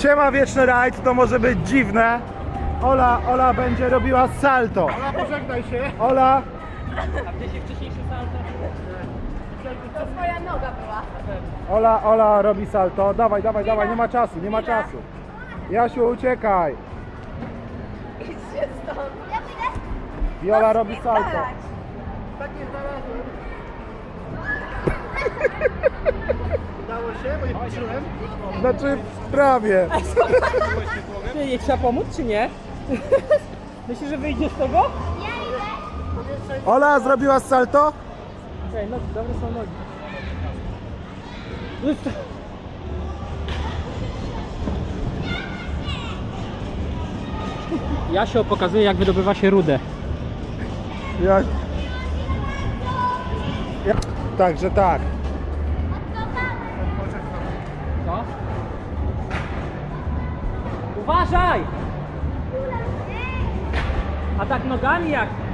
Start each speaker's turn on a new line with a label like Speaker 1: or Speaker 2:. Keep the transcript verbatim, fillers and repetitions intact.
Speaker 1: Siema Wieczny Rajd, to może być dziwne. Ola, Ola będzie robiła salto.
Speaker 2: Ola, pożegnaj się.
Speaker 1: Ola,
Speaker 3: A gdzie się wcześniejszy salto?
Speaker 4: To twoja noga była.
Speaker 1: Ola, Ola robi salto. Dawaj, dawaj, dawaj, nie ma czasu, nie ma
Speaker 4: Idę.
Speaker 1: czasu. Jasiu, uciekaj.
Speaker 4: Idźcie stąd. Ja pójdę.
Speaker 1: Viola robi salto.
Speaker 2: Tak nie znalazłem. Udało się, bo nie patrzyłem.
Speaker 1: Znaczy, prawie.
Speaker 3: Czy jej trzeba pomóc, czy nie? Myślisz, że wyjdzie z tego?
Speaker 1: Ola zrobiła salto?
Speaker 3: Okej, nogi, dobre są nogi. Jasio pokazuje, jak wydobywa się rudę.
Speaker 1: Ja... Ja... Także tak.
Speaker 3: Co? Uważaj! A tak nogami jak